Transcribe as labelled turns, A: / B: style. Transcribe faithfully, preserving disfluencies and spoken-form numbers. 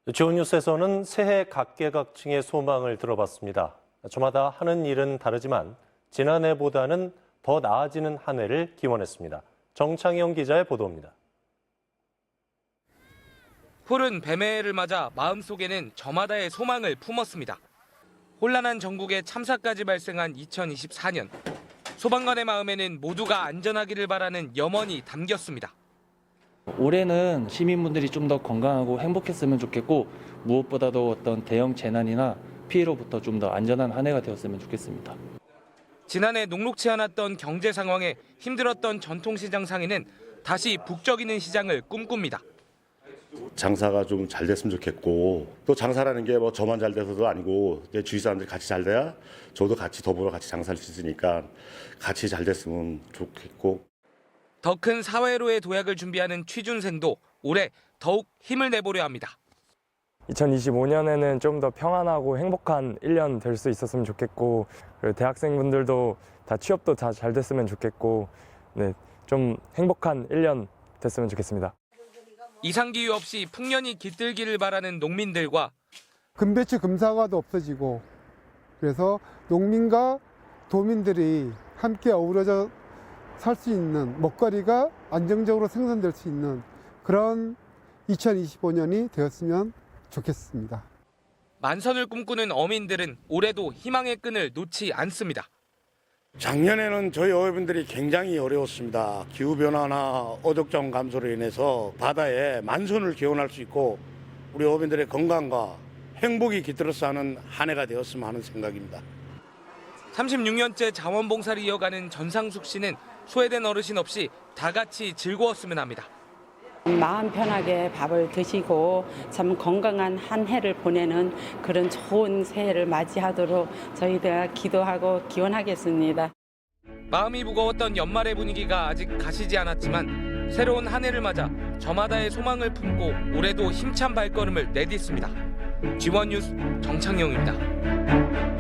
A: 지원뉴스에서는 새해 각계각층의 소망을 들어봤습니다. 저마다 하는 일은 다르지만 지난해보다는 더 나아지는 한 해를 기원했습니다. 정창영 기자의 보도입니다.
B: 푸른 뱀해를 맞아 마음속에는 저마다의 소망을 품었습니다. 혼란한 전국에 참사까지 발생한 이천이십사 년. 소방관의 마음에는 모두가 안전하기를 바라는 염원이 담겼습니다.
C: 올해는 시민분들이 좀 더 건강하고 행복했으면 좋겠고 무엇보다도 어떤 대형 재난이나 피해로부터 좀 더 안전한 한 해가 되었으면 좋겠습니다.
B: 지난해 녹록치 않았던 경제 상황에 힘들었던 전통시장 상인은 다시 북적이는 시장을 꿈꿉니다.
D: 장사가 좀 잘 됐으면 좋겠고 또 장사라는 게 뭐 저만 잘 돼서도 아니고 내 주위 사람들이 같이 잘 돼야 저도 같이 더불어 같이 장사할 수 있으니까 같이 잘 됐으면 좋겠고.
B: 더 큰 사회로의 도약을 준비하는 취준생도 올해 더욱 힘을 내보려 합니다.
E: 이천이십오 년에는 좀 더 평안하고 행복한 일 년 될 수 있었으면 좋겠고, 그리고 대학생분들도 다 취업도 다 잘 됐으면 좋겠고, 네, 좀 행복한 일 년 됐으면 좋겠습니다.
B: 이상기후 없이 풍년이 깃들기를 바라는 농민들과
F: 금배추 금사과도 없어지고, 그래서 농민과 도민들이 함께 어우러져 살 수 있는 먹거리가 안정적으로 생산될 수 있는 그런 이천이십오 년이 되었으면 좋겠습니다.
B: 만선을 꿈꾸는 어민들은 올해도 희망의 끈을 놓지 않습니다.
G: 작년에는 저희 어민들이 굉장히 어려웠습니다. 기후변화나 어족자원 감소로 인해서 바다에 만선을 기원할 수 있고 우리 어민들의 건강과 행복이 깃들어서 하는 한 해가 되었으면 하는 생각입니다.
B: 삼십육 년째 자원봉사를 이어가는 전상숙 씨는 소외된 어르신 없이 다 같이 즐거웠으면 합니다.
H: 마음 편하게 밥을 드시고 참 건강한 한 해를 보내는 그런 좋은 새해를 맞이하도록 저희가 기도하고 기원하겠습니다.
B: 마음이 무거웠던 연말의 분위기가 아직 가시지 않았지만 새로운 한 해를 맞아 저마다의 소망을 품고 올해도 힘찬 발걸음을 내딛습니다. 지원뉴스 정창영입니다.